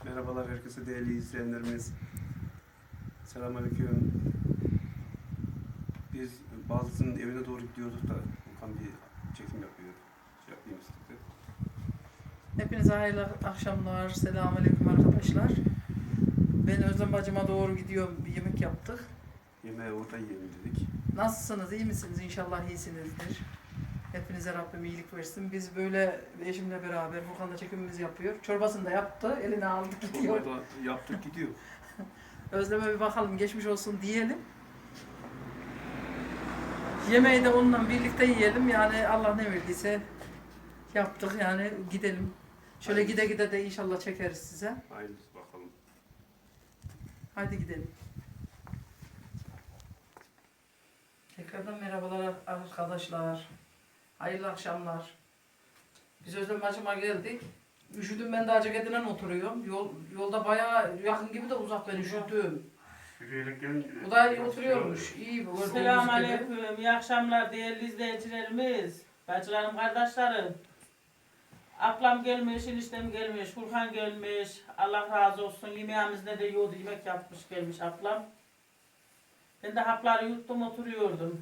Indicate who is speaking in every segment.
Speaker 1: Merhabalar herkese değerli izleyenlerimiz. Selamünaleyküm. Biz Baldız'ın evine doğru gidiyorduk da Okan bir çekim yapıyor. Yapayım istedim.
Speaker 2: Hepinize hayırlı akşamlar. Selamünaleyküm arkadaşlar. Ben Özlem bacıma doğru gidiyorum. Bir yemek yaptık.
Speaker 1: Yemeği orada yiyelim dedik.
Speaker 2: Nasılsınız? İyi misiniz? İnşallah iyisinizdir. Hepinize Rabbim iyilik versin. Biz böyle eşimle beraber Furkan da çekimimizi yapıyor. Çorbasını da yaptı. Eline aldı gidiyor.
Speaker 1: Orada yaptık gidiyor.
Speaker 2: Özlem'e bir bakalım. Geçmiş olsun diyelim. Yemeği de onunla birlikte yiyelim. Yani Allah ne verdiyse yaptık. Yani gidelim. Şöyle
Speaker 1: Hayırlısı.
Speaker 2: gide gide de inşallah çekeriz size.
Speaker 1: Hayırlısı bakalım.
Speaker 2: Hadi gidelim. Tekrardan merhabalar arkadaşlar. Hayırlı akşamlar. Biz Özlem bacıma geldik. Üşüdüm, ben de Acıkedi'den oturuyorum. Yolda bayağı yakın gibi de uzak, ben üşüdüm.
Speaker 1: Yürüyerek gelin.
Speaker 2: O da oturuyormuş. İyi bu.
Speaker 3: Selamünaleyküm. İyi akşamlar değerli izleyicilerimiz. Bacılarım, kardeşlerim. Ablam gelmiş, eniştem gelmiş, Furkan gelmiş. Allah razı olsun. Yemeğimizde de yoğurdu yemek yapmış gelmiş ablam. Ben de hapları yuttum oturuyordum.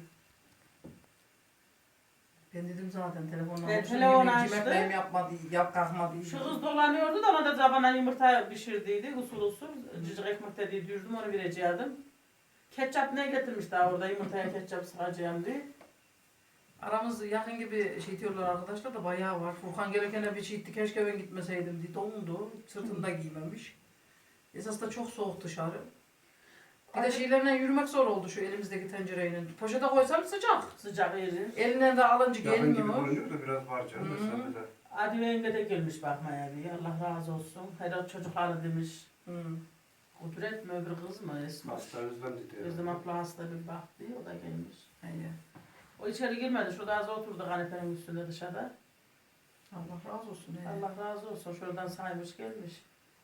Speaker 2: Ben dedim zaten telefonla.
Speaker 3: Telefon açtı.
Speaker 2: Yemeklerim yapmadı, kalkmadı.
Speaker 3: Şu kız dolanıyordu da ona da zabana yumurta pişirdiydi usul usul. Cıcık ekmek de yedirdim onu verecektim. Ketçap ne getirmiş daha orada yumurtaya ketçap sıkacağım diye.
Speaker 2: Aramız yakın gibi şey diyorlar arkadaşlar da bayağı var. Furkan gelirken bir şey itti, keşke ben gitmeseydim diye dondu. Sırtında giymemiş. Esas da çok soğuk dışarı. Bir de şeylerle yürümek zor oldu şu elimizdeki tencereyle. Poşete koysam sıcak.
Speaker 3: Sıcak yeri.
Speaker 2: Elinden de alınca
Speaker 1: Yakın gibi
Speaker 2: gelmiyor.
Speaker 1: görünüyor da biraz var canım. Mesela de.
Speaker 3: Adi Bey'imde de gelmiş bakmaya diye. Allah razı olsun. Herhalde çocukları demiş.
Speaker 2: Hı.
Speaker 3: Kudret mi öbür kız mı Esma?
Speaker 1: Hasta Özlem dedi.
Speaker 3: Özlem abla hasta bir baktı. O da gelmiş.
Speaker 2: İyi.
Speaker 3: O içeri girmedi. Şurada az oturdu kanepenin üstünde dışarıda.
Speaker 2: Allah razı olsun.
Speaker 3: Allah razı olsun. Şuradan saymış gelmiş.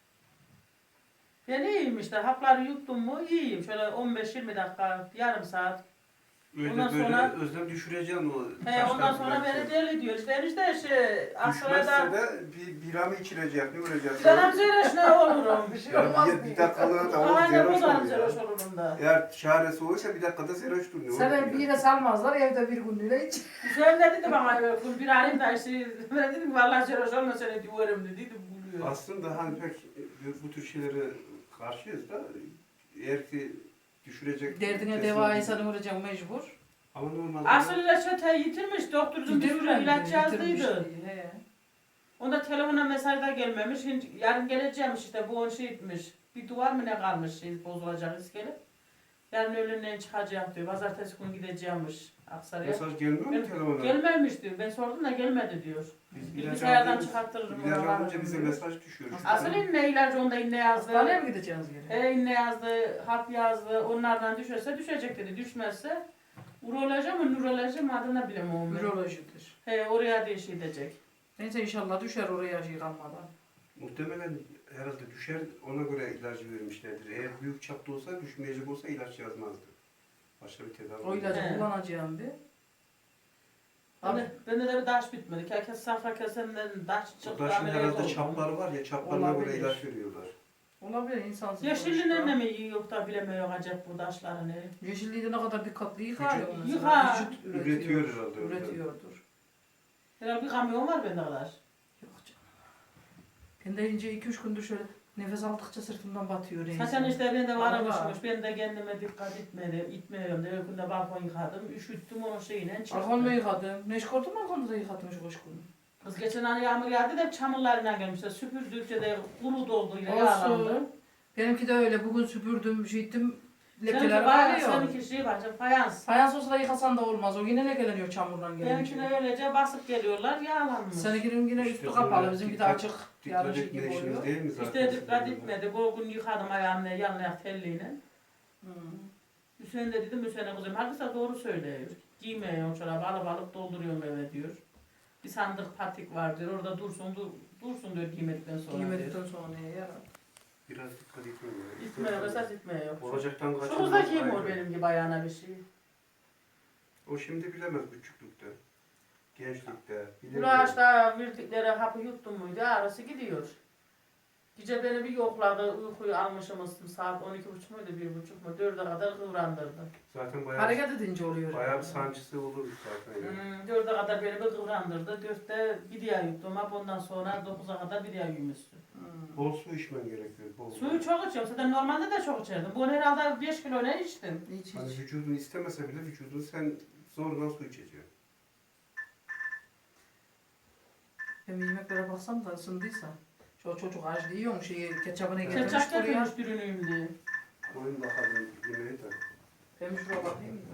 Speaker 3: Ben iyiyim işte. Hapları yuttum mu iyiyim. Şöyle 15-20 dakika, yarım saat.
Speaker 1: Öyle
Speaker 3: Ondan
Speaker 1: böyle
Speaker 3: sonra-
Speaker 1: Özlem düşüreceğim o.
Speaker 3: Ondan sonra beni deli diyor. İşte enişte Aksaray'da
Speaker 1: Düşmezse de bir bira mı içilecek, ne olacak?
Speaker 3: bir tane zeyreş ne olurum.
Speaker 2: Bir şey
Speaker 1: Ya
Speaker 2: olmaz
Speaker 1: bir
Speaker 2: diye.
Speaker 1: dakikalığına da o
Speaker 3: Aynen
Speaker 1: zeroş
Speaker 3: bu da
Speaker 1: oluyor.
Speaker 3: zeyreş olurum da.
Speaker 1: Eğer çaresi olursa bir dakikada zeroş duruyor.
Speaker 2: Sana bir yere salmazlar, evde bir günlüğüne hiç.
Speaker 3: Hüseyin de dedi bana bir arayayım da işte ben dedim ki vallahi zeyreş olma seni diyorum dedi buluyor.
Speaker 1: Aslında hani pek bu tür şeylere karşıyız da eğer ki düşürecek...
Speaker 2: Derdine
Speaker 1: kesin-
Speaker 2: deva insanı vuracak mecbur.
Speaker 1: Ama normalde...
Speaker 3: Asıl reçeteyi yitirmiş, doktorcum bir sürü ilaç yazdıydı.
Speaker 2: He.
Speaker 3: Onda telefona mesaj da gelmemiş, şimdi yarın geleceğim işte bu 10 şey etmiş. Bir duvar mı ne kalmış şey bozulacak iskelip. Yarın öğlenden çıkacağım diyor, pazartesi günü gideceğimmiş Aksaray'a.
Speaker 1: Mesaj gelmiyor mu telefona?
Speaker 3: Gelmemiş diyor, ben sordum da gelmedi diyor.
Speaker 1: Biz
Speaker 3: Bilgisayardan
Speaker 1: alınca-
Speaker 3: çıkarttırırım.
Speaker 1: İlaç
Speaker 3: onu,
Speaker 1: alınca
Speaker 3: alırım
Speaker 1: bize
Speaker 3: diyor.
Speaker 1: mesaj düşüyor.
Speaker 3: Asıl inne ilacı onda inne yazdı.
Speaker 2: Hastaneye mi gideceğiz geri?
Speaker 3: İnne yazdı, hap yazdı, onlardan düşerse düşecek dedi, düşmezse uroloji mi nuroloji mi adını bilemem.
Speaker 2: Ürolojidir.
Speaker 3: Oraya diye şey edecek.
Speaker 2: Neyse inşallah düşer oraya şey kalmadan.
Speaker 1: Muhtemelen herhalde düşer, ona göre ilacı vermişlerdir. Eğer büyük çapta olsa, düşmeyecek olsa ilaç yazmazdı. Başka bir tedavi.
Speaker 2: O ilacı
Speaker 3: He.
Speaker 2: kullanacağım bir. Abi,
Speaker 3: Bende de bir taş bitmedi. Herkes safra kesenden taş
Speaker 1: O
Speaker 3: çıktı.
Speaker 1: da şimdi
Speaker 3: ameliyat
Speaker 1: herhalde
Speaker 3: oldum.
Speaker 1: çapları var ya, çaplarına göre
Speaker 2: Olabilir.
Speaker 1: ilaç veriyorlar.
Speaker 2: olabilir insansız.
Speaker 3: Yeşilliğinden de mi yiyor da bilemiyor acaba bu taşlarını.
Speaker 2: Yeşilliği de ne kadar dikkatli yıkar ya.
Speaker 1: Vücut-
Speaker 2: mesela.
Speaker 3: Yıkar.
Speaker 2: Vücut
Speaker 1: Üretiyor herhalde.
Speaker 2: Üretiyordur.
Speaker 3: Herhalde bir kamyon var bende kadar.
Speaker 2: Yok canım. Ben de ince 2-3 gündür şöyle nefes aldıkça sırtımdan batıyor.
Speaker 3: Zaten işte bende var
Speaker 2: Vallahi.
Speaker 3: alışmış. Ben de kendime dikkat itmiyorum. De öykünde balkon yıkadım. Üşüttüm onun şeyine çıktı.
Speaker 2: Balkon mu yıkadım? Neşkortu balkonu da yıkadım şu kış günü.
Speaker 3: Kız geçen hani yağmur yağdı da çamurlarına gelmişler. Süpürdükçe de kuru doldu yine yağlandı.
Speaker 2: Olsun. Benimki de öyle. Bugün süpürdüm, şey ettim.
Speaker 3: Seninki
Speaker 2: Lekeler
Speaker 3: bayağı,
Speaker 2: kalıyor.
Speaker 3: seninki şey var, fayans.
Speaker 2: Fayans olsa da yıkasan da olmaz. O yine lekeleniyor çamurdan gelince.
Speaker 3: Benimkine öylece basıp geliyorlar, yağlanmış.
Speaker 2: Seninkinin yine
Speaker 1: İşte
Speaker 2: üstü
Speaker 1: böyle
Speaker 2: kapalı. Bizimki de
Speaker 1: dikkat-
Speaker 2: açık.
Speaker 1: Dikkat
Speaker 2: Yarışı
Speaker 1: etme
Speaker 2: gibi
Speaker 1: işiniz
Speaker 2: oluyor.
Speaker 1: değil mi zaten?
Speaker 3: İşte dikkat etmedi. Bu gün yıkadım ayağımla, yanına ayak telliyle. Hüseyin de dedim, Hüseyin'e kızım, herkese doğru söylüyor. Giymiyorum çorabı, alıp dolduruyorum eve diyor. Bir sandık patik var diyor, orada dursun diyor giymedikten sonra diyor.
Speaker 2: Giymedikten sonra neye yarar?
Speaker 1: Biraz dikkat etmiyor.
Speaker 3: İtmiyor, esas itmiyor.
Speaker 1: Olacaktan
Speaker 3: Şu
Speaker 1: kaçınmak.
Speaker 3: kız da giymiyor
Speaker 1: ayrı.
Speaker 3: benim gibi ayağına bir şey.
Speaker 1: O şimdi bilemez küçüklükte. Gençlikte.
Speaker 3: Bu ağaçta verdikleri hapı yuttum muydu, ağrısı gidiyor. Gece beni bir yokladı, uykuyu almışım saat 12.30 muydu, 1.30 mu, 4'e kadar kıvrandırdı.
Speaker 1: Zaten bayağı,
Speaker 2: Hareket edince oluyor.
Speaker 1: bayağı bir sancısı olur zaten. Yani.
Speaker 3: 4'e kadar beni bir kıvrandırdı. 4'te bir diğer yuttum. Hep ondan sonra 9'a kadar bir diğer yumuştu.
Speaker 1: Bol su içmen gerekiyor. Bol.
Speaker 3: Suyu çok içiyorum. Zaten normalde de çok içerdim. Bu herhalde 5 kilo ne içtim?
Speaker 2: Hiç
Speaker 1: Hani
Speaker 2: hiç.
Speaker 1: vücudun istemese bile vücudun sen zorla su içeceksin.
Speaker 2: Hem yemeklere baksam da ısındıysa. Şu çocuk aç yiyor şeyi ketçabını
Speaker 1: Evet.
Speaker 2: getirmiş
Speaker 3: Ketçap
Speaker 2: buraya.
Speaker 3: getirmiş dürünüyüm diye.
Speaker 1: Koyun bakalım yemeği de.
Speaker 2: Ben şuraya bakayım da.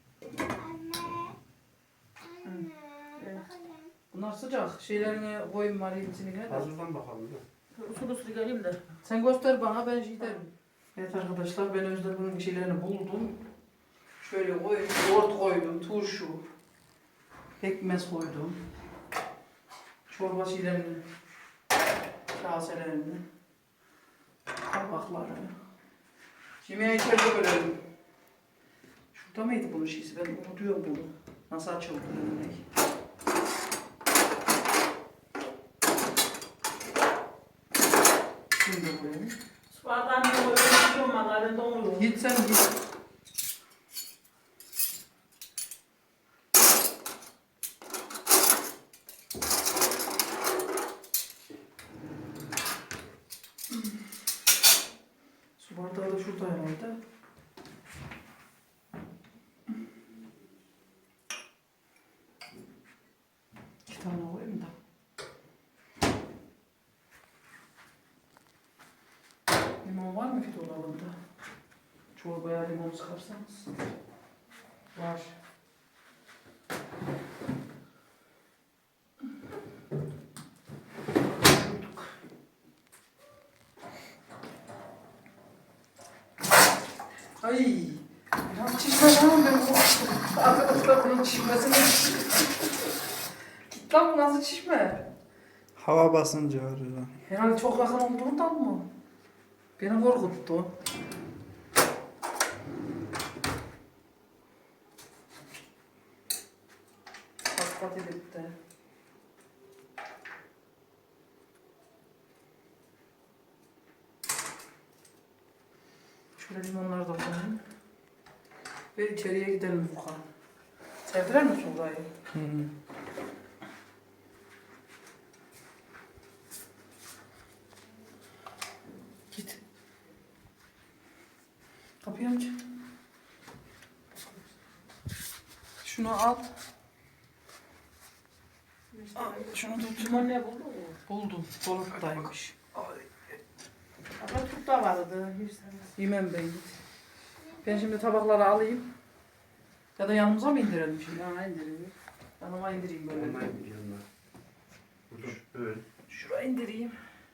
Speaker 3: Evet.
Speaker 2: Bunlar sıcak. Şeylerini koyayım var hepsini gene de.
Speaker 1: Hazırlan bakalım da.
Speaker 3: Usul usul geleyim de.
Speaker 2: Sen göster bana ben şey derim. Evet arkadaşlar ben Özlem'in şeylerini buldum. Şöyle koydum, yoğurt koydum, turşu, pekmez koydum. Çorba şeylerini, kaselerini, tabakları. Yemeği içeride bölelim. Şurada mıydı bunun şeysi? Ben unutuyorum bunu. Nasıl açıldı yemek? Şimdi koyayım.
Speaker 3: Su bardağını da koyuyorum valla ben de onu.
Speaker 2: Git sen git. Su bardağı da şurada herhalde. İki tane koyayım da. Limon var mı ki dolabında? Çorbaya limon sıkarsanız. Var. Ay. Lan çişme lan ben bu. Arkadaşlar bunun çişmesini. Git lan bu nasıl çişme?
Speaker 4: Hava basınca arıyor.
Speaker 2: Herhalde çok yakın olduğundan mı? Beni korkuttu. Pat edip de. Şöyle limonları da koyayım. Ve içeriye gidelim Furkan. Sevdiler mi burayı?
Speaker 4: Hı hı.
Speaker 2: Git. Kapıyı aç. Şunu al. Al, şunu tut.
Speaker 3: Limon ne buldu?
Speaker 2: Buldum. Dolaptaymış.
Speaker 3: Ama tut da vardı.
Speaker 2: Yemem ben git. Ben şimdi tabakları alayım. Ya da yanımıza mı indirelim şimdi?
Speaker 3: Ya indirin.
Speaker 2: Yanıma indireyim böyle.
Speaker 1: Yanına git yanına. Dur. Böyle.
Speaker 2: Şuraya indireyim.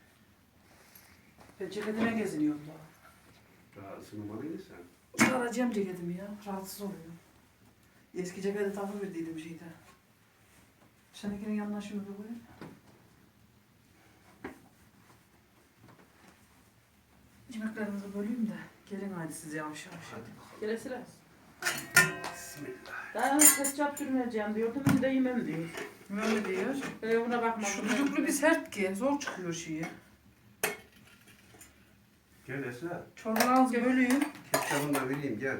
Speaker 2: Ben ceketime geziniyorum daha.
Speaker 1: Daha ısınmalıydı sen.
Speaker 2: Çıkaracağım ceketimi ya. Rahatsız oluyorum. Eski ceketi takıverdiydim şeyde. Seninkinin yanına şunu bir koyayım. Yemeklerinizi böleyim de. Gelin hadi siz yavaş yavaş.
Speaker 1: Hadi bakalım.
Speaker 3: Gelesi lazım.
Speaker 1: Bismillah.
Speaker 3: Daha ketçap sürmeyeceğim diyordum. Ben de yemem diyor.
Speaker 2: Böyle diyor.
Speaker 3: Buna bakma.
Speaker 2: Şu düdüklü bir sert ki. Zor çıkıyor şeyi.
Speaker 1: Gel Esra.
Speaker 2: Çorbalarınızı böleyim.
Speaker 1: Ketçabını da vereyim gel.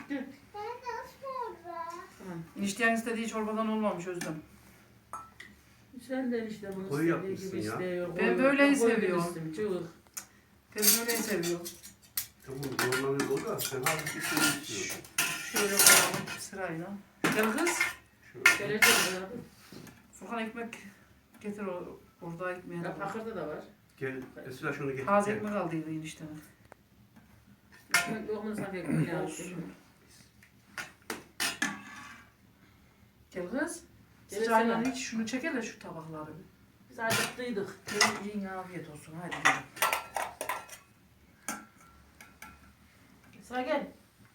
Speaker 2: Enişteyen istediği çorbadan olmamış Özlem.
Speaker 3: Sen de işte bunu
Speaker 1: Koyu
Speaker 3: istediği
Speaker 1: yapmışsın
Speaker 3: gibi
Speaker 1: ya.
Speaker 3: istiyor.
Speaker 2: Ben böyleyi
Speaker 3: Koyu
Speaker 2: seviyorum.
Speaker 3: demiştim, cıvık.
Speaker 2: Ben böyle seviyorum.
Speaker 1: Tamam normalde o da sen hafif bir şey istiyorsun.
Speaker 2: Şöyle koyalım sırayla. Gel kız.
Speaker 1: Şöyle.
Speaker 3: Geleceğim ya.
Speaker 2: Furkan ekmek getir orada ekmeğe.
Speaker 3: Ya pakırda da var.
Speaker 1: Gel Esra şunu getir.
Speaker 2: Taze
Speaker 1: gel.
Speaker 2: ekmek aldıydı eniştenin.
Speaker 3: Ekmek yok mu sanki ekmek
Speaker 2: Olsun. Gel kız.
Speaker 3: Gel
Speaker 2: Sırayla
Speaker 3: Esra.
Speaker 2: hiç şunu çek hele şu tabakları.
Speaker 3: Biz acıktıydık.
Speaker 2: Gelin yiyin afiyet olsun hadi gelin.
Speaker 3: Esra gel.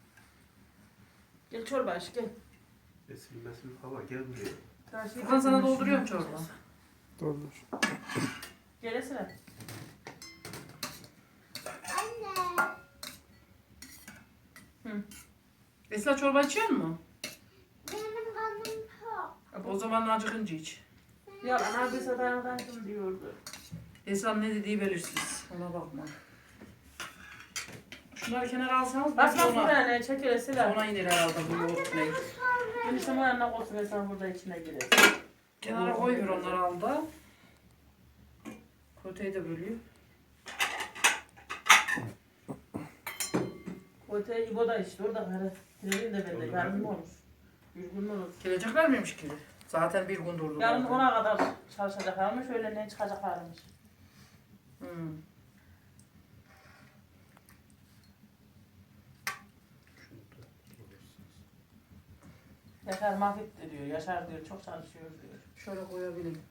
Speaker 3: Gel çorba aç gel.
Speaker 1: Esil mesil hava gel buraya.
Speaker 2: Furkan sana dolduruyorum çorba.
Speaker 4: Doldur.
Speaker 3: Gel Esra.
Speaker 2: Esra çorba içiyor mu?
Speaker 5: Benim kanım tok.
Speaker 2: O zaman acıkınca iç.
Speaker 3: Ya anadıysa dayanıklı diyordu.
Speaker 2: Esra'nın ne dediği belirsiz. Ona bakma. Şunları kenara alsanız
Speaker 3: Basma
Speaker 2: sonra,
Speaker 3: buraya ne çekilesiler.
Speaker 2: sonra iner herhalde bu yoğurt ne.
Speaker 3: Eniştem o yanına koysun ve sen burada içine girer.
Speaker 2: Kenara koyuyor onları al da. Koteyi de bölüyor.
Speaker 3: Kote İbo da işte orada kare. Girelim de bende. Yarın mı olur? Bir gün mü olur?
Speaker 2: Gelecekler miymiş ki? Zaten bir gün durdu.
Speaker 3: Yarın ona kadar çalışacaklarmış. Öğlenden çıkacaklarmış.
Speaker 2: Hmm.
Speaker 3: Yaşar mahvetti diyor. Yaşar diyor çok çalışıyor diyor.
Speaker 2: Şöyle koyabilirim.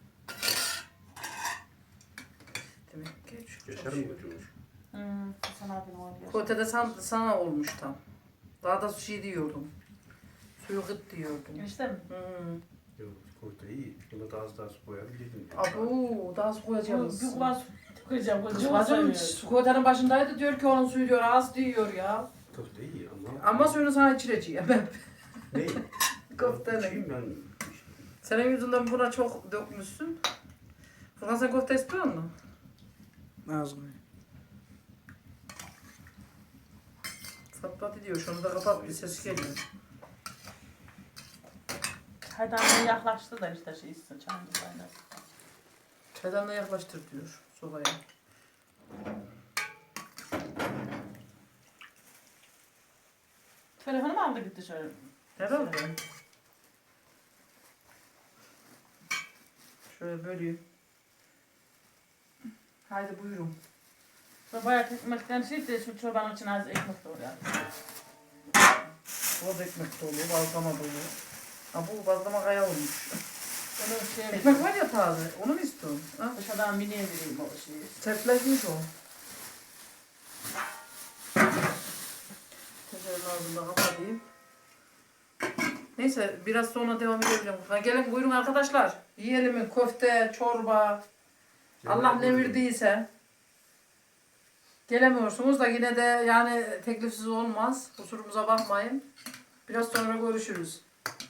Speaker 2: Demek ki çok
Speaker 1: Yaşar mı götürmüş?
Speaker 3: Hasan abim var. Yaşar.
Speaker 2: Kotede sana olmuş tam. Daha da şey diyordum. Suyu gıt diyordum.
Speaker 3: Enişte mi?
Speaker 1: Yok, koydu iyi. Buna daha az su koyabilirdim.
Speaker 2: Abu daha su koyacağız.
Speaker 3: Bir kulağın su koyacağım.
Speaker 2: Kız bacım kotenin başındaydı diyor ki onun suyu diyor az diyor ya.
Speaker 1: Tadı da iyi ama...
Speaker 2: Ama suyunu sana içireceğim ben.
Speaker 1: Ne?
Speaker 2: Köftenin.
Speaker 1: İçeyim ben.
Speaker 2: Senin yüzünden buna çok dökmüşsün. Furkan sen köfte istiyor musun?
Speaker 4: Az koy.
Speaker 2: Pat diyor şunu da kapat bir ses geliyor.
Speaker 3: Haydan yaklaştı da işte şey içsin. Çayını kaynar.
Speaker 2: Çaydanla yaklaştır diyor sobaya.
Speaker 3: Telefonu mu aldı gitti şöyle?
Speaker 2: Herhalde. Şöyle böleyim. Haydi buyurun.
Speaker 3: Bayağı ekmekten şey de şu çobanın için az ekmek doğruyor.
Speaker 2: O da ekmek dolu, bazlama dolu. Ha bu bazlama kaya olmuş.
Speaker 3: Onu şey
Speaker 2: Ekmek var ya taze, onu mu istiyorsun? Ha?
Speaker 3: dışarıdan miniye vereyim o şeyi.
Speaker 2: Sertleşmiş o. Tencerenin ağzını da kapatayım. Neyse biraz sonra devam edebilirim. Ha, gelin buyurun arkadaşlar. Yiyelim köfte, çorba. Allah ne verdiyse. Gelemiyorsunuz da yine de yani teklifsiz olmaz. Kusurumuza bakmayın. Biraz sonra görüşürüz.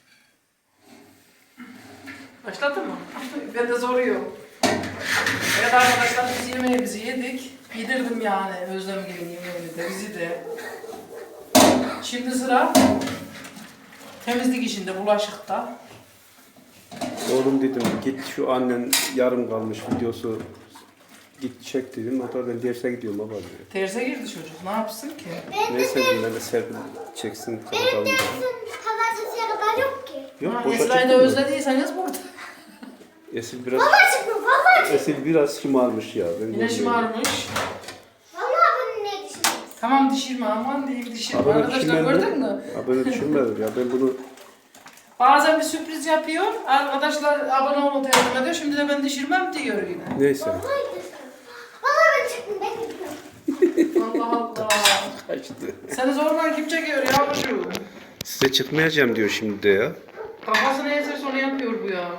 Speaker 2: Başladın mı? Ben de soruyorum. Evet arkadaşlar biz yemeğimizi yedik. Yedirdim yani Özlem gibi yemeğini de bizi de. Şimdi sıra temizlik işinde, bulaşıkta.
Speaker 1: Oğlum dedim git şu annen yarım kalmış videosu git çek dedim. O da ben derse gidiyorum baba diyor.
Speaker 2: Terse girdi çocuk. Ne yapsın ki?
Speaker 1: Neyse dedim ben de Serpil çeksin. Bakalım.
Speaker 5: Pazartesiye kadar yok ki.
Speaker 1: Yok
Speaker 2: Ha,
Speaker 1: boşa
Speaker 2: Esra'yı da
Speaker 1: çıktı mı?
Speaker 2: özlediyseniz burada.
Speaker 1: Esil biraz
Speaker 5: Vallahi çıkmıyor, vallahi çıkmıyor.
Speaker 1: Esil biraz şımarmış ya. Ben
Speaker 2: Yine
Speaker 1: görmüyorum.
Speaker 2: şımarmış.
Speaker 5: Vallahi bunun ne düşünüyorsun?
Speaker 2: Tamam dişirme aman diyeyim dişirme.
Speaker 1: Abone
Speaker 2: Arkadaşlar
Speaker 1: düşünmedim.
Speaker 2: gördün mü?
Speaker 1: Abone düşünmedim ya ben bunu
Speaker 2: Bazen bir sürpriz yapıyor. Arkadaşlar abone olun teslim ediyor. Şimdi de ben dişirmem diyor yine.
Speaker 1: neyse.
Speaker 5: Vallahi gidiyorsun. Vallahi ben çıktım, ben gidiyorum.
Speaker 2: Allah Allah.
Speaker 1: Kaçtı.
Speaker 2: Seni zorla kim çekiyor yavrucuğum?
Speaker 1: Size çıkmayacağım diyor şimdi de ya.
Speaker 2: Kafasına yeterse onu yapıyor bu ya.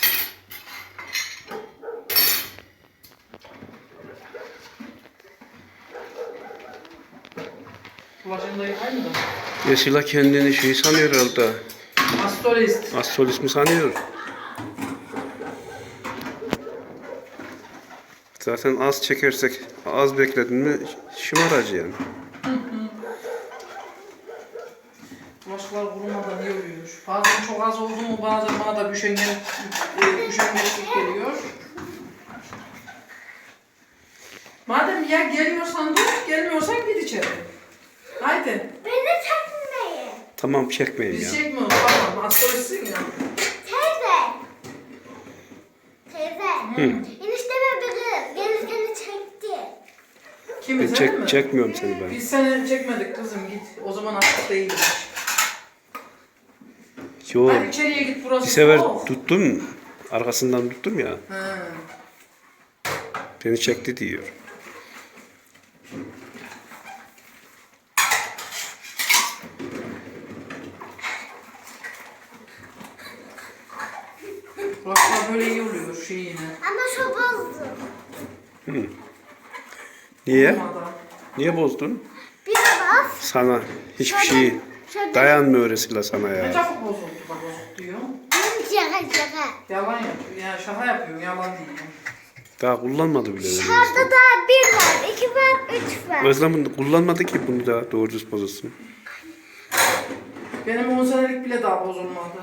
Speaker 2: Bulaşığını da yıkayım da.
Speaker 1: Esila kendini şey sanıyor herhalde.
Speaker 2: Astrolist.
Speaker 1: Astrolist mi sanıyor? Zaten az çekersek, az bekledin mi şımaracı yani.
Speaker 2: Bulaşıklar kurumadan iyi oluyor. Bazen çok az oldu mu bazen bana da üşengeçlik geliyor. Madem ya geliyorsan dur, gelmiyorsan git içeri. Haydi.
Speaker 5: Beni çekmeyin.
Speaker 1: Tamam çekmeyin
Speaker 2: Biz
Speaker 1: ya.
Speaker 2: çekmiyoruz tamam, astrolistsin ya.
Speaker 5: Teyze. Teyze. Enişteme biri gelirken çekti.
Speaker 2: Kimi
Speaker 1: Ben
Speaker 2: sen mi?
Speaker 1: çekmiyorum seni ben.
Speaker 2: Biz seni çekmedik kızım git. O zaman artık değilmiş.
Speaker 1: Yo,
Speaker 2: Hadi içeriye git burası
Speaker 1: bir sefer
Speaker 2: soğuk.
Speaker 1: tuttum, arkasından tuttum ya.
Speaker 2: He.
Speaker 1: Beni çekti diyor.
Speaker 2: Bulaşıklar böyle iyi oluyor şeyine.
Speaker 5: Ama şu bozdu.
Speaker 1: Niye?
Speaker 2: Olmadan.
Speaker 1: Niye bozdun?
Speaker 5: Bir bas.
Speaker 1: Sana hiçbir şey dayanmıyor Esila sana
Speaker 2: Ne
Speaker 1: ya.
Speaker 2: çabuk bozuldu da bozuk diyor.
Speaker 5: Şaka şaka.
Speaker 2: Yalan yapıyor. Ya şaka yapıyor. Yalan değil.
Speaker 1: Daha kullanmadı bile.
Speaker 5: Şurada daha 1 var, 2 var, 3 var.
Speaker 1: Özlem kullanmadı ki bunu da doğru düz bozulsun.
Speaker 2: Benim 10 senelik bile daha bozulmadı.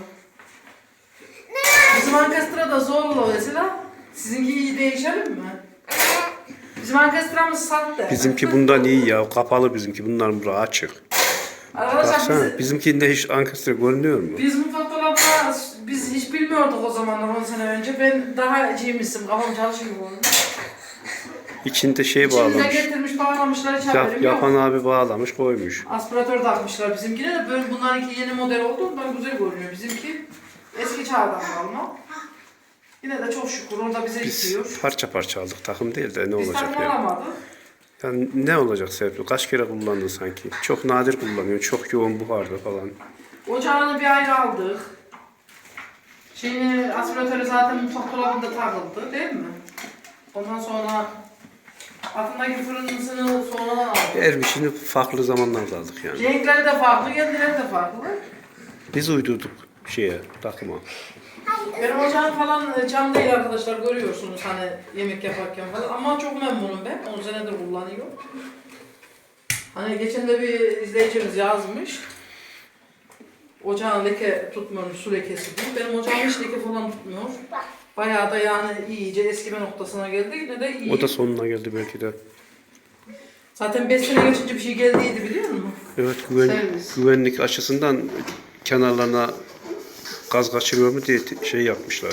Speaker 2: Bizim ankestra da zorlu mesela. Sizinki iyi değişelim mi? Bizim ankestramız sahte.
Speaker 1: Bizimki bundan iyi ya. Kapalı bizimki. Bunların burası açık.
Speaker 2: Arkadaşlar
Speaker 1: Baksana bizimkinde hiç ankestre görünüyor mu?
Speaker 2: biz mutfak dolabına biz hiç bilmiyorduk o zamanlar 10 sene önce. Ben daha cimrisim. Kafam çalışıyor bu arada.
Speaker 1: İçinde şey
Speaker 2: İçinde
Speaker 1: bağlamış.
Speaker 2: getirmiş bağlamışlar hiç haberim yok.
Speaker 1: Yapan abi bağlamış koymuş.
Speaker 2: Aspiratör takmışlar bizimkine de böyle bunlarınki yeni model olduğundan güzel görünüyor. Bizimki eski çağdan kalma. Yine de çok şükür orada bize
Speaker 1: Biz
Speaker 2: yetiyor.
Speaker 1: parça parça aldık. Takım değil de ne
Speaker 2: Biz
Speaker 1: olacak
Speaker 2: takım
Speaker 1: ya?
Speaker 2: alamadık.
Speaker 1: Yani ne olacak Serpil? Kaç kere kullandın sanki? Çok nadir kullanıyorsun. Çok yoğun buharda falan.
Speaker 2: Ocağını bir ayrı aldık. Şeyini aspiratörü zaten mutfak dolabında takıldı değil mi? Ondan sonra altındaki fırınısını sonradan aldık.
Speaker 1: Her bir şeyini farklı zamanlarda aldık yani.
Speaker 2: Renkleri de farklı, kendileri de farklı.
Speaker 1: Biz uydurduk takıma.
Speaker 2: Benim ocağım falan cam değil arkadaşlar görüyorsunuz hani yemek yaparken falan ama çok memnunum ben. 10 senedir kullanıyorum. Hani geçen de bir izleyicimiz yazmış. Ocağın leke tutmuyormuş, su lekesi değil. Benim ocağım hiç leke falan tutmuyor. Bayağı da yani iyice eskime noktasına geldi. Yine de iyi.
Speaker 1: O da sonuna geldi belki de.
Speaker 2: Zaten 5 sene geçince bir şey geldiydi biliyor musun?
Speaker 1: Evet
Speaker 2: Servis.
Speaker 1: güvenlik açısından kenarlarına gaz kaçırıyor mu diye şey yapmışlar.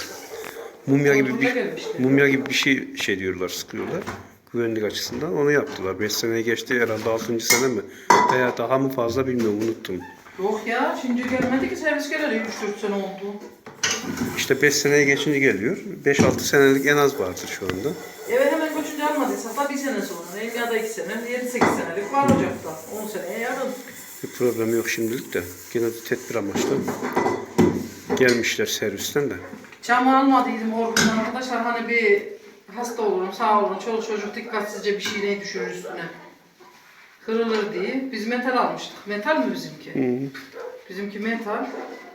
Speaker 1: Mumya gibi bir şey diyorlar, sıkıyorlar. Güvenlik açısından onu yaptılar. 5 sene geçti herhalde 6. sene mi? Veya daha mı fazla bilmiyorum unuttum.
Speaker 2: Yok ya şimdi gelmedi ki servis geleli 3-4 sene oldu.
Speaker 1: İşte 5 seneye geçince geliyor. 5-6 senelik en az vardır şu anda.
Speaker 2: Evet hemen göçünce almadıysak da 1 sene sonra. Ya da 2 sene, 7-8 senelik var ocakta. 10 seneye yarın.
Speaker 1: Bir problem yok şimdilik de. Yine de tedbir amaçlı gelmişler servisten de.
Speaker 2: Camı almadıydım orgundan arkadaşlar hani bir hasta olurum sağ olun çoluk çocuk dikkatsizce bir şeyle düşürür üstüne. Kırılır diye. Biz metal almıştık. Metal mi bizimki?
Speaker 1: Hı.
Speaker 2: Bizimki metal.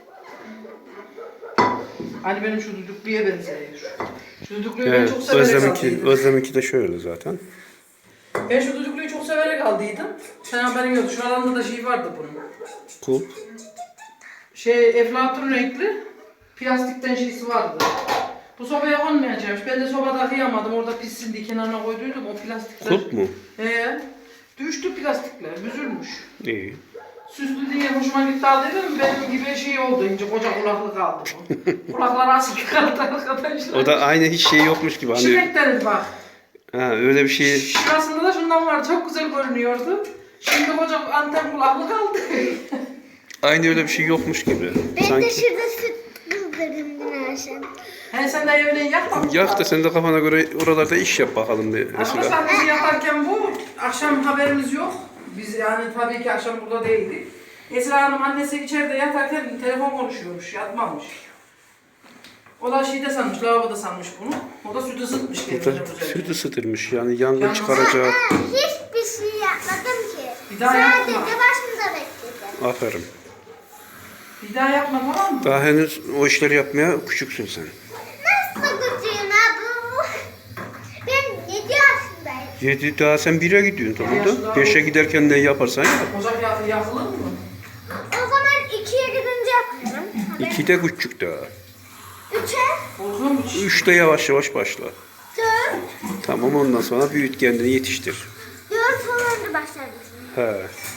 Speaker 2: Hani benim şu düdüklüye benziyor. Şu düdüklüyü ben çok severek aldıydım.
Speaker 1: Özlem'inki de şöyle zaten.
Speaker 2: Ben şu düdüklüyü çok severek aldıydım. Sen haberin yok. Şu alanda da şey vardı bunun.
Speaker 1: Kulp.
Speaker 2: Eflatun renkli plastikten şeysi vardı. Bu sobaya konmayacakmış. Ben de sobada kıyamadım. Orada pissin diye kenarına koyduydum. O plastikler.
Speaker 1: Kulp mu?
Speaker 2: Düştü plastikler. Büzülmüş.
Speaker 1: İyi.
Speaker 2: Süslü diye hoşuma gitti aldıydım. Benim gibi şey oldu. İnce koca kulaklık aldım. Kulakları asık kaldı arkadaşlar.
Speaker 1: O da aynı hiç şey yokmuş gibi. Hani,
Speaker 2: Şirek deriz bak.
Speaker 1: ha, öyle bir şey.
Speaker 2: Şurasında da şundan var. Çok güzel görünüyordu. Şimdi koca anten kulaklık aldı.
Speaker 1: Aynı öyle bir şey yokmuş gibi.
Speaker 5: Ben de
Speaker 1: Sanki.
Speaker 5: şurada süt kızdırdım dün akşam.
Speaker 2: He sen de evine yakmamışsın.
Speaker 1: Yak da sen de kafana göre oralarda iş yap bakalım diye mesela.
Speaker 2: Arkadaşlar biz yaparken bu akşam haberimiz yok. Biz yani tabii ki akşam burada değildik. Esra Hanım annesi içeride yatarken telefon konuşuyormuş, yatmamış. O da şeyde sanmış, lavaboda sanmış bunu. O da süt ısıtmış
Speaker 1: Bu
Speaker 2: kendine
Speaker 1: da
Speaker 2: güzel.
Speaker 1: süt ısıtırmış yani yangın
Speaker 2: Yalnız-
Speaker 1: çıkaracak.
Speaker 5: Hiçbir şey yapmadım ki.
Speaker 2: Bir daha
Speaker 5: Sadece
Speaker 2: yapma.
Speaker 5: başımda bekledim.
Speaker 1: Aferin.
Speaker 2: Bir daha yapma tamam mı?
Speaker 1: Daha henüz o işleri yapmaya küçüksün sen.
Speaker 5: Nasıl gücüğün bu? Ben 7 yaşındayım.
Speaker 1: 7 daha sen 1'e gidiyorsun tamam
Speaker 2: yaşında
Speaker 1: da. 5'e giderken ne yaparsan yap.
Speaker 2: Ocak yakılır mı?
Speaker 5: O zaman 2'ye gidince yaparım.
Speaker 1: 2'de küçük daha.
Speaker 5: 3'e,
Speaker 2: Korkuyor mu?
Speaker 1: 3'te yavaş yavaş başla.
Speaker 5: 4,
Speaker 1: Tamam ondan sonra büyüt kendini yetiştir.
Speaker 5: 4 falan da başlarım.
Speaker 1: He.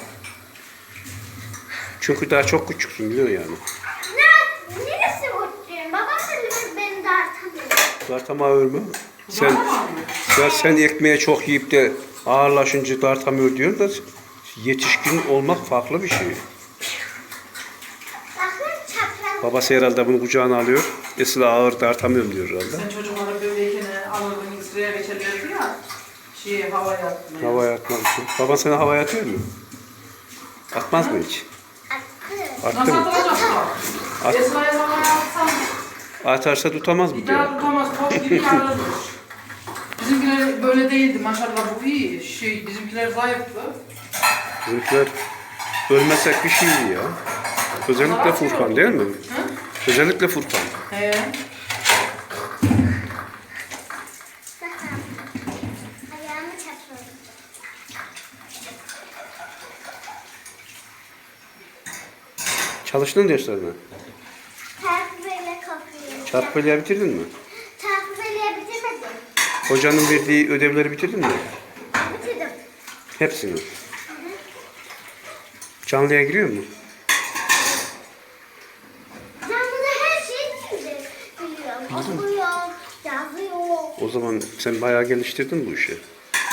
Speaker 1: Çünkü daha çok küçüksün biliyor yani.
Speaker 5: Neresi mutluyum? Babam da beni dartamıyor.
Speaker 1: Dartamıyor mu? Sen ekmeğe çok yiyip de ağırlaşınca dartamıyor diyor da yetişkin olmak farklı bir şey.
Speaker 5: Bakın çapraz.
Speaker 1: Babası herhalde bunu kucağına alıyor. Esra ağır dartamıyorum diyor herhalde.
Speaker 2: Sen çocuklara böyleyken alırdın sıraya geçerlerdi ya. Havaya atmaya.
Speaker 1: Havaya atmak için. Baban seni havaya atıyor mu? Atmaz mı hiç?
Speaker 5: Attı.
Speaker 1: Attı
Speaker 2: Nasıl
Speaker 1: mı?
Speaker 2: atılacak bu?
Speaker 1: At.
Speaker 2: Esra'ya havaya atsam
Speaker 1: Atarsa tutamaz mı
Speaker 2: bir
Speaker 1: diyor.
Speaker 2: daha tutamaz. Top gibi yarılır. Bizimkiler böyle değildi maşallah bu iyi. Bizimkiler zayıftı.
Speaker 1: Bizimkiler ölmesek bir şey iyi ya. Özellikle Furkan değil mi?
Speaker 2: Hı?
Speaker 1: Özellikle Furkan.
Speaker 2: He.
Speaker 1: Çalıştın derslerine.
Speaker 5: Takviyeyle kapıyı.
Speaker 1: Çarpı bölüğü bitirdin mi?
Speaker 5: Takviyeyle bitirmedim.
Speaker 1: Hocanın verdiği ödevleri bitirdin mi?
Speaker 5: Bitirdim.
Speaker 1: Hepsini. Canlıya giriyor mu?
Speaker 5: Canlıda her şeyi bitirdim. Biliyorum. Okuyorum. Yazıyorum.
Speaker 1: O zaman sen bayağı geliştirdin bu işi.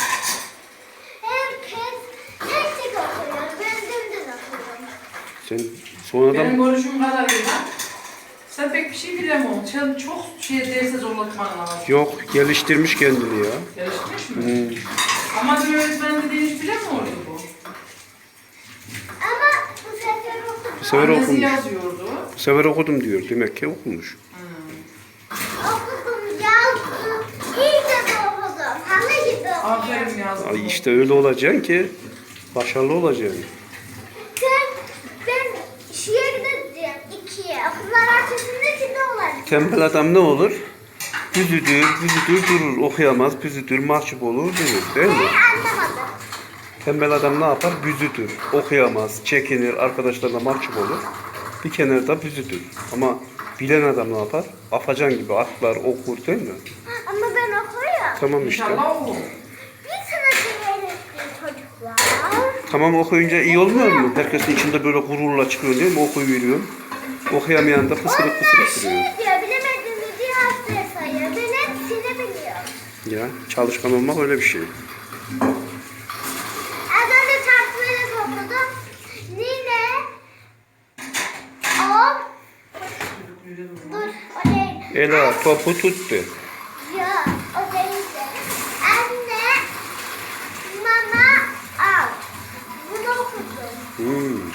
Speaker 5: Herkes tek tek okuyor. Ben dümdüz okuyorum.
Speaker 1: Sen sonradan
Speaker 2: Benim görüşüm kadarıyla sen pek bir şey bilemiyorsun. Sen çok derse zorlatman lazım.
Speaker 1: yok geliştirmiş kendini ya.
Speaker 2: Gelişmiş mi? Ama bir öğretmen dediğin hiç bilemiyordu bu.
Speaker 5: Ama bu sefer okudum.
Speaker 1: Bu sefer
Speaker 2: Annesi
Speaker 1: okumuş.
Speaker 2: yazıyordu.
Speaker 1: Bu sefer okudum diyor. Demek ki okumuş.
Speaker 5: Okudum, yazdım. İyice de okudum. Halı gibi okuyorum.
Speaker 2: Aferin yazdım.
Speaker 1: Ay işte öyle olacaksın ki başarılı olacaksın.
Speaker 5: Ben şeye gideceğim. 2'ye. Okullar arasında şimdi olacak.
Speaker 1: Tembel adam ne olur? Büzüdür durur, okuyamaz, büzüdür, mahcup olur, durur değil mi?
Speaker 5: Anlamadım.
Speaker 1: Tembel adam ne yapar? Büzüdür, okuyamaz, çekinir, arkadaşlarına mahcup olur. Bir kenarda büzüdür. Ama bilen adam ne yapar? Afacan gibi atlar, okur değil mi?
Speaker 5: Ama ben okuyorum.
Speaker 1: Tamam işte.
Speaker 2: İnşallah o.
Speaker 5: Bir sınıf öğretmen çocuklar.
Speaker 1: Tamam okuyunca iyi olmuyor mu? Herkesin içinde böyle gururla çıkıyor değil mi? Okuyuveriyorsun. Okuyamayan da fısırık
Speaker 5: Onlar
Speaker 1: fısırık duruyor.
Speaker 5: şey diyor, bilemediğini diyor haftaya sayıyor. Ben hepsini biliyorum.
Speaker 1: Ya çalışkan olmak öyle bir şey.
Speaker 5: Az önce tartmayla okudum. Nine, o, dur, o değil.
Speaker 1: Ela topu tuttu.
Speaker 5: Ya, o değildi. Anne, mama, al. Bunu okudum.
Speaker 1: Hmm.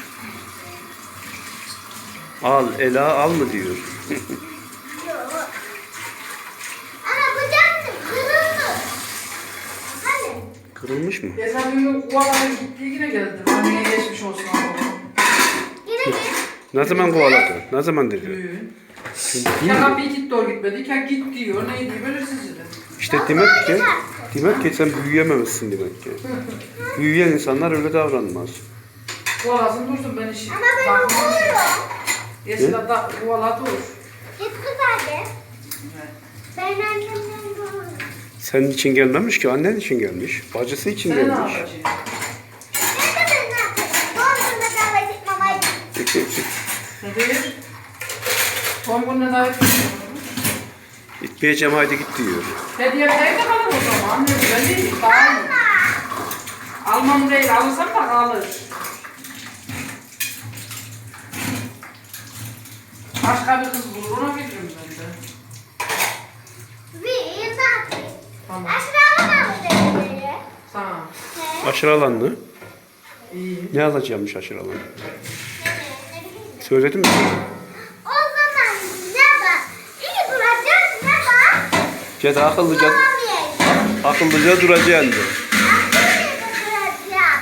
Speaker 1: Al, Ela al mı diyor.
Speaker 5: Yok. Ana bu canlı kırılmış. Hani?
Speaker 1: Kırılmış mı?
Speaker 2: Geçen gün Kuvalara gitti yine geldi. Anneye geçmiş olsun abi.
Speaker 5: Yine git.
Speaker 1: Ne zaman kovaladı? Ne zaman dedi?
Speaker 2: Düğün. Ya kapıyı gitti o gitmedi. Ya git diyor. Neydi belirsiz dedi.
Speaker 1: İşte demek ki sen büyüyememişsin demek ki. Büyüyen insanlar öyle davranmaz.
Speaker 2: Kuvalasın dursun ben işi.
Speaker 5: Ama ben okuyorum.
Speaker 2: Eskiden da kuvala dur.
Speaker 5: Git kız hadi. Ben annemden doğru.
Speaker 1: Senin için gelmemiş ki, annen için gelmiş. Bacısı için
Speaker 2: Sen ne
Speaker 1: gelmiş.
Speaker 2: yapacaksın?
Speaker 5: Ben de ne yapayım? Dondurma davet etmem.
Speaker 2: Ne değil? Son gününe davet ediyorum.
Speaker 1: Gitmeyeceğim haydi git diyor.
Speaker 2: Hediye evde kalır o zaman. Ne güzel değil. Daha iyi. Almam değil. Alırsam da kalır. Başka bir kız bulur. Ona veririm ben de.
Speaker 5: Bir zaten.
Speaker 2: Tamam.
Speaker 5: Aşağıda mı dedi?
Speaker 2: Tamam.
Speaker 1: Aşırı alanlı.
Speaker 2: İyi.
Speaker 1: Ne alacağımmış aşırı alanı?
Speaker 5: Ne bileyim.
Speaker 1: Söyledim mi?
Speaker 5: O zaman ne var? İyi duracağız ne var?
Speaker 1: Ceda akıllıca,
Speaker 5: Olamayacağız.
Speaker 1: akıllıca duracaksın diyor.
Speaker 5: Akıllıca duracağız.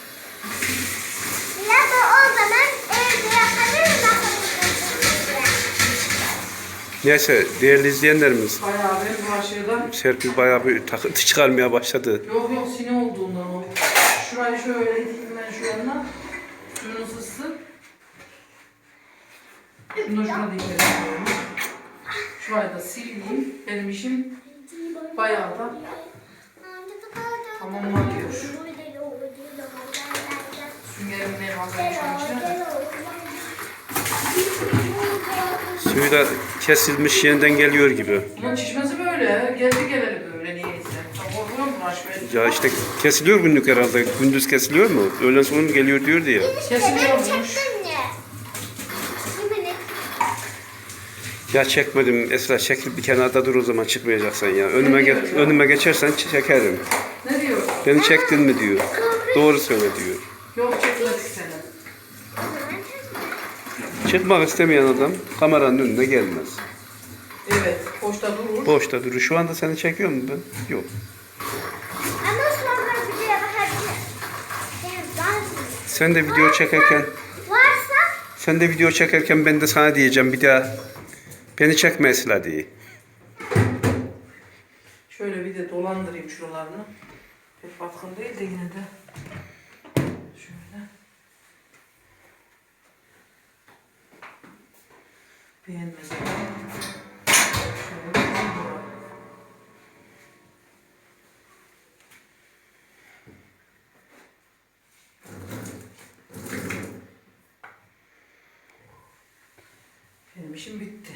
Speaker 5: Ya da o zaman evde yakalırız akıllıca.
Speaker 1: Neyse değerli izleyenlerimiz,
Speaker 2: Bayağı bir bulaşığdan.
Speaker 1: Serpil bayağı bir takıntı çıkarmaya başladı.
Speaker 2: Yok yok sine olduğundan o. Şurayı şöyle iteyim ben şu yanına. Suyunu ısıtsın. Şunu da şuna dikkat ediyorum. Şurayı da sileyim. Benim işim bayağı da tamamlanıyor. Süngerim ne malzeme şu an içine de.
Speaker 1: Suyu da kesilmiş yeniden geliyor gibi.
Speaker 2: Bunun çişmesi böyle. Geldi geleli böyle niyeyse. Korkuyor mu aşk
Speaker 1: Ya işte kesiliyor günlük herhalde. Gündüz kesiliyor mu? Öğlen sonra geliyor diyor diye.
Speaker 2: Kesiliyormuş.
Speaker 1: Ya çekmedim Esra, çekil bir kenarda dur o zaman, çıkmayacaksan ya. Önüme geçersen çekerim.
Speaker 2: Ne diyor?
Speaker 1: Beni çektin mi diyor. Doğru söyle diyor.
Speaker 2: Yok çekmedik seni.
Speaker 1: Çıkmak istemeyen adam kameranın önüne gelmez.
Speaker 2: Evet. Boşta durur.
Speaker 1: Boşta durur. Şu anda seni çekiyor mu ben? Yok.
Speaker 5: Ama sonra bir de bakabilir.
Speaker 1: Sen de video çekerken
Speaker 5: Varsa
Speaker 1: ben de sana diyeceğim bir daha beni çekme Esra diye.
Speaker 2: Şöyle bir de dolandırayım şuralarını. Pek batkın değil de yine de. Şöyle. işim bitti.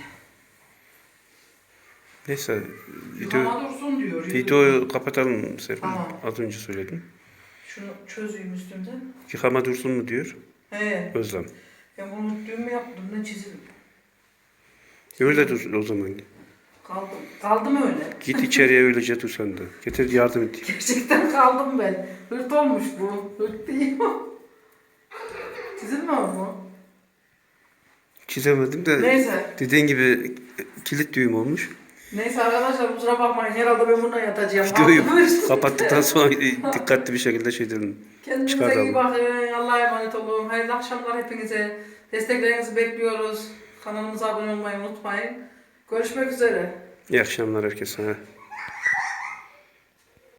Speaker 1: Neyse
Speaker 2: Yıkama dursun diyor.
Speaker 1: videoyu kapatalım Serpil.
Speaker 2: Tamam.
Speaker 1: Az önce söyledim.
Speaker 2: Şunu çözeyim üstünden.
Speaker 1: Yıkama dursun mu diyor
Speaker 2: He.
Speaker 1: Özlem.
Speaker 2: Ben bunu düğüm mü yaptım ne çizim.
Speaker 1: Öyle dur o zaman.
Speaker 2: Kaldım öyle.
Speaker 1: Git içeriye öylece dur sen de. Getir yardım et.
Speaker 2: Gerçekten kaldım ben. Hırt olmuş bu. Hırt değil mi? Çizilmiyor mu?
Speaker 1: Çizemedim de
Speaker 2: Neyse.
Speaker 1: dediğin gibi kilit düğüm olmuş.
Speaker 2: Neyse arkadaşlar kusura bakmayın. Herhalde ben buna yatacağım.
Speaker 1: Videoyu
Speaker 2: Kaldım.
Speaker 1: kapattıktan sonra dikkatli bir şekilde şey dedim.
Speaker 2: Kendinize
Speaker 1: Çıkartalım.
Speaker 2: iyi bakın. Allah'a emanet olun. Hayırlı akşamlar hepinize. Desteklerinizi bekliyoruz. Kanalımıza abone olmayı unutmayın. Görüşmek üzere.
Speaker 1: İyi akşamlar herkese.